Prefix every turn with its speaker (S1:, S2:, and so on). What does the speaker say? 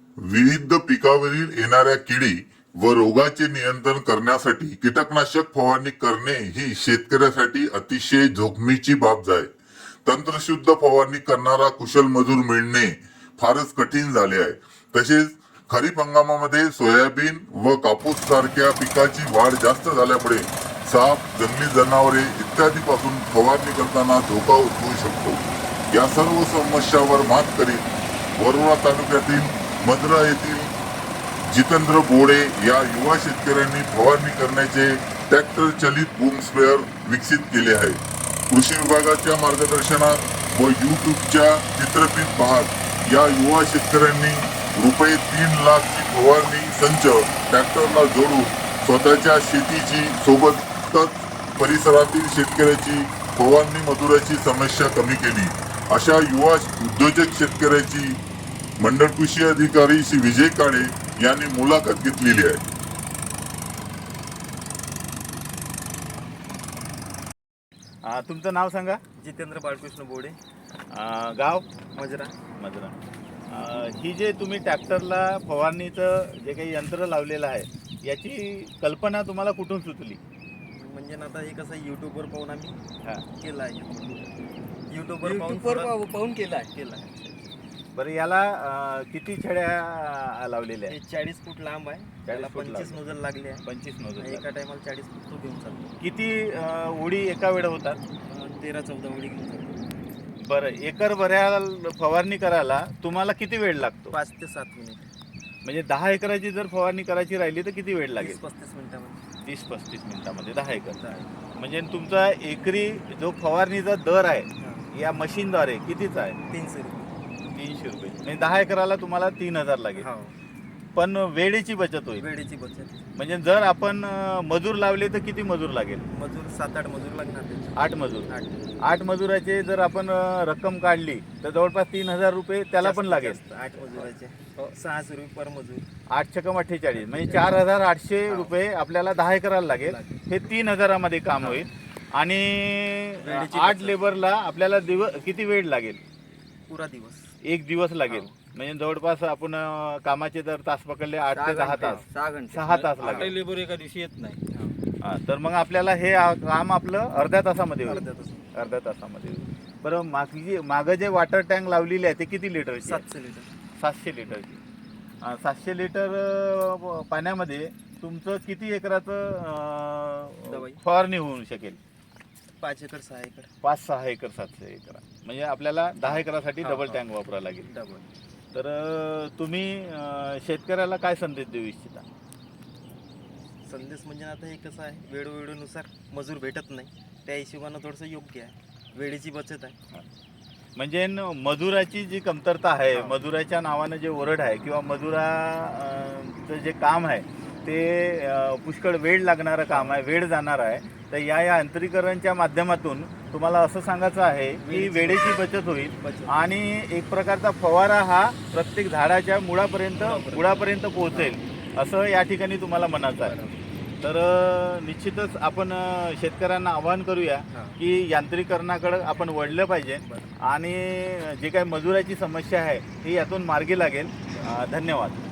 S1: विविध पिकावरील येणाऱ्या किडी व रोगाचे नियंत्रण करण्यासाठी कीटकनाशक फवारणी करणे ही शेतकऱ्यासाठी अतिशय जोखमीची बाब आहे. तंत्रशुद्ध फवारणी करणारा कुशल मजूर मिळणे फारच कठीण झाले आहे. तसेच खरीप हंगामामध्ये सोयाबीन व कापूस सारख्या पिकाची वाढ जास्त झाल्यामुळे साप, जंगली जनावरे इत्यादी पासून फवारणी करताना धोका उद्भवू शकतो. या सर्व समस्यावर मात करीत वरोरा तालुक्यातील मद्रा येथील जितेंद्र बोडे या युवा शेतकऱ्यांनी फवारणी करण्याचे ट्रॅक्टर चलित बूम स्प्रेअर विकसित केले आहे. कृषी विभागाच्या मार्गदर्शनात व युट्यूबच्या चित्रफित पाहत या युवा शेतकऱ्यांनी रुपये 3 लाखची फवारणी संच ट्रॅक्टरला जोडून स्वतःच्या शेतीची सोबतच परिसरातील शेतकऱ्याची फवारणी मजुराची समस्या कमी केली. अशा युवा उद्योजक शेतकऱ्याची मंडळ कृषी अधिकारी श्री विजय काळे यांनी मुलाखत घेतलेली आहे.
S2: तुमचं नाव सांगा.
S3: जितेंद्र बाळकृष्ण बोडे,
S2: गाव
S3: मजरा.
S2: मद्रा. ही जे तुम्ही ट्रॅक्टरला फवारणीचं जे काही यंत्र लावलेलं आहे याची कल्पना तुम्हाला कुठून सुचली?
S3: म्हणजे ना आता हे कसं यूट्यूबवर पाहून आम्ही केलं आहे.
S4: यूट्यूबवर पाहून केलं आहे.
S2: बरं, याला किती छड्या लावलेल्या
S3: हे
S2: आहेत?
S3: 40 फूट लांब आहे. त्याला
S2: 40 फूट
S3: 25 नोजल लागले आहे.
S2: 25 नोजल.
S3: एका टायमाला 40 फूट तो घेऊन चालतो.
S2: किती उडी एका वेळ होतात?
S3: 13-14 उडी घेऊन चालतो.
S2: बरं, एकर भऱ्या फवारणी करायला तुम्हाला किती वेळ लागतो?
S3: 5 ते 7 मिनिट.
S2: म्हणजे 10 एकराची जर फवारणी करायची राहिली तर किती वेळ लागेल?
S3: 30-35 मिनिटामध्ये.
S2: 30-35 मिनिटामध्ये 10 एकर. म्हणजे तुमचा एकरी जो फवारणीचा दर आहे या मशीनद्वारे कितीचा आहे?
S3: 300 रुपये.
S2: 300 रुपये. म्हणजे 10 एकराला तुम्हाला 3000 लागेल.
S3: हो,
S2: पण वेळेची बचत होईल.
S3: वेळेची बचत.
S2: म्हणजे जर आपण मजूर लावले तर किती मजूर लागेल?
S3: मजूर 7-8 मजूर लागणार त्याचे.
S2: 8 मजूर.
S3: 8.
S2: 8 मजूराचे जर आपण रक्कम काढली तर जवळपास 3000 रुपये त्याला पण लागेल.
S3: 8 मजुराचे 600 रुपये पर मजूर.
S2: 8 छकम 48 म्हणजे 4800 रुपये आपल्याला 10 एकराला लागेल. हे 3000 काम होईल. आणि 8 लेबरला आपल्याला किती वेळ लागेल?
S3: पुरा दिवस.
S2: 1 दिवस लागेल. म्हणजे जवळपास आपण कामाचे जर तास पकडले 8 ते 10 तास, 6 तास लागेल.
S4: लेबर एका दिवशी येत नाही.
S2: तर मग आपल्याला हे काम आपलं अर्ध्या तासामध्ये होईल. अर्ध्या तासामध्ये होईल. बरं, मागं जे वॉटर टँक लावलेली आहे ते किती लिटरची?
S3: 700 लिटर.
S2: 700 लिटरची. 700 लिटर पाण्यामध्ये तुमचं किती एकराचं फवारणी होऊ शकेल?
S3: 5 एकर 6 एकर.
S2: 5-6 acre 700 acre. म्हणजे आपल्याला 10 एकरासाठी डबल टँक वापरावा लागेल. तर तुम्ही शेतकऱ्याला काय संदेश देऊ इच्छिता?
S3: संदेश म्हणजे आता हे कसं आहे, वेळोवेळीनुसार मजूर भेटत नाही, त्या हिशोबानं थोडंसं योग्य आहे. वेळेची बचत आहे.
S2: म्हणजे मजुराची जी कमतरता आहे, मजुराच्या नावानं जे ओरड आहे किंवा मजुराचं जे काम आहे ते पुष्कळ वेळ लागणारं काम आहे, वेळ जाणार आहे. तर या यांत्रिकरणच्या माध्यमातून तुम्हाला असं सांगायचं आहे की वेळेची बचत होईल आणि एक प्रकारचा फवारा हा प्रत्येक झाडाच्या मुळापर्यंत पोहोचेल असं या ठिकाणी तुम्हाला म्हणायचं आहे. तर निश्चितच आपण शेतकऱ्यांना आवाहन करूया की यांत्रिकरणाकडे आपण वळलं पाहिजे आणि जे काही मजुराची समस्या आहे ही यातून मार्गी लागेल. धन्यवाद.